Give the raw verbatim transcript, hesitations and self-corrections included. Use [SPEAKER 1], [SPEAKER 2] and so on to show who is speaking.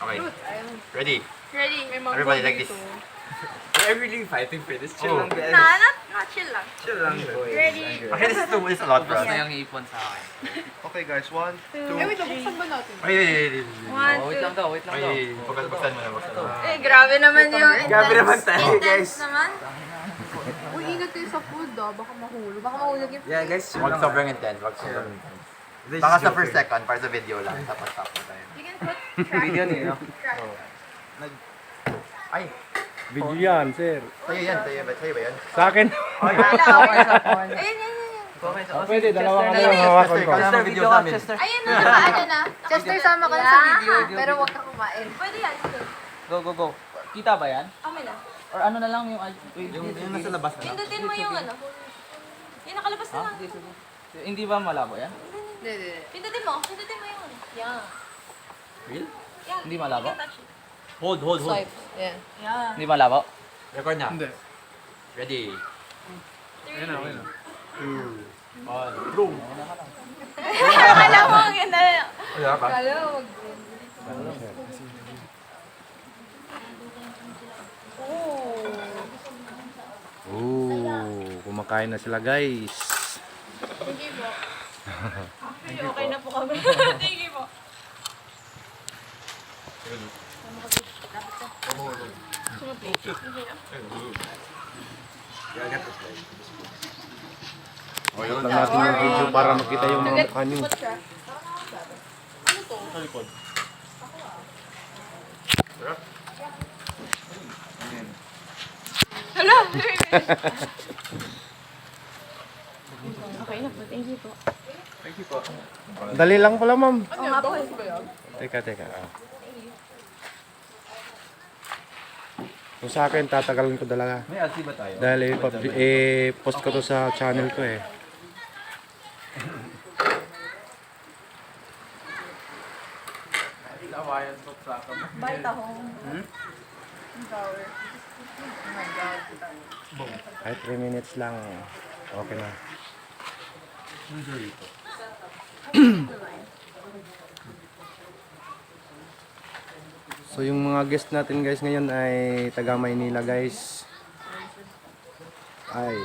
[SPEAKER 1] Okay. Ready?
[SPEAKER 2] Ready?
[SPEAKER 1] Everybody like this.
[SPEAKER 3] We're really fighting for this. Chill
[SPEAKER 1] Oh.
[SPEAKER 3] lang, guys.
[SPEAKER 2] Nah, not, not chill lang.
[SPEAKER 3] Chill lang, boys.
[SPEAKER 2] Ready?
[SPEAKER 1] Okay, this is too this is a lot for
[SPEAKER 3] Tapos
[SPEAKER 1] us.
[SPEAKER 3] na yung ipon sa akin.
[SPEAKER 4] Okay guys, one, two,
[SPEAKER 2] Eh, wait lang, buksan ba natin?
[SPEAKER 1] Wait, wait, wait, wait, wait.
[SPEAKER 2] One,
[SPEAKER 3] Oh, wait
[SPEAKER 2] two.
[SPEAKER 3] lang daw, wait lang daw.
[SPEAKER 1] Wait, buksan buksan mo na, buksan mo.
[SPEAKER 2] Eh, grabe naman yung intense.
[SPEAKER 3] Grabe naman tayo,
[SPEAKER 2] intense
[SPEAKER 3] guys.
[SPEAKER 2] naman. Uy, ingat kayo sa food ah. Baka mahulog. Baka mahulog yung
[SPEAKER 3] Yeah, guys, chill
[SPEAKER 1] Wag
[SPEAKER 3] lang.
[SPEAKER 1] sobrang intense, wag sobrang intense.
[SPEAKER 3] This
[SPEAKER 1] Baka
[SPEAKER 3] is
[SPEAKER 1] sa first
[SPEAKER 3] joking.
[SPEAKER 1] second, para sa video lang, tapos tapos tayo.
[SPEAKER 2] You can put track.
[SPEAKER 3] Video niyo, no?
[SPEAKER 2] Track.
[SPEAKER 1] Ay,
[SPEAKER 4] video yan, sir.
[SPEAKER 1] sa'yo yan, sa'yo ba, sa'yo ba yan?
[SPEAKER 4] Sa akin.
[SPEAKER 2] Wala, okay na. Ayun, ayun, ayun.
[SPEAKER 3] Okay, so,
[SPEAKER 4] Pwede, dalawa kami
[SPEAKER 2] Chester,
[SPEAKER 4] ang hawakan ko.
[SPEAKER 1] Chester,
[SPEAKER 3] Chester,
[SPEAKER 1] video
[SPEAKER 3] video
[SPEAKER 1] sa
[SPEAKER 3] ka,
[SPEAKER 1] amin.
[SPEAKER 3] Chester.
[SPEAKER 2] Ayun na, nakaano na. Chester, sama ka na sa video. Pero huwag ka kumain. Pwede yan, sige.
[SPEAKER 5] Go, go, go. Kita ba yan?
[SPEAKER 2] Amin na.
[SPEAKER 5] Or ano na lang yung...
[SPEAKER 3] Yung, yung nasa labas na.
[SPEAKER 2] Pindutin mo yung ano. Yung nakalabas na
[SPEAKER 5] Ha?
[SPEAKER 2] lang.
[SPEAKER 5] Sige, sige. Hindi ba malabo yan?
[SPEAKER 2] Hindi, hindi. Pindutin mo. Pindutin mo yung ano. Yan.
[SPEAKER 3] Real?
[SPEAKER 2] Yan.
[SPEAKER 5] Hindi malabo?
[SPEAKER 2] You can touch it.
[SPEAKER 3] Hold, hold, hold.
[SPEAKER 2] Swipe. Yan. Yan.
[SPEAKER 5] Hindi malabo?
[SPEAKER 3] Record na.
[SPEAKER 4] Hindi.
[SPEAKER 3] Ready.
[SPEAKER 2] Three.
[SPEAKER 4] Ayun na, ayun na.
[SPEAKER 3] Two. One. Boom.
[SPEAKER 2] Akala mo, ang ganda na.
[SPEAKER 3] Wala pa?
[SPEAKER 2] Akala mo, mag- Oh.
[SPEAKER 4] Ooh, kumakain na sila guys.
[SPEAKER 2] Thank you po. Okay na po kami. Thank you po.
[SPEAKER 1] O yun,
[SPEAKER 4] Tignan natin yung video para makita yung mga mukha niyo.
[SPEAKER 2] Put siya. Ano to?
[SPEAKER 1] sa likod.
[SPEAKER 2] Hala! Okay na po. Thank you po.
[SPEAKER 4] Dali lang pala ma'am.
[SPEAKER 2] Oo nga po.
[SPEAKER 4] Teka, teka. Ah. Kung sa akin, tatagalan ko talaga.
[SPEAKER 3] May L C ba tayo?
[SPEAKER 4] Dahil i- i-post ko to sa channel ko eh.
[SPEAKER 2] Bite ako. Hmm? Power. Oh my God.
[SPEAKER 4] Kahit three minutes lang, okay na. So yung mga guest natin guys ngayon ay taga Maynila guys. Ay.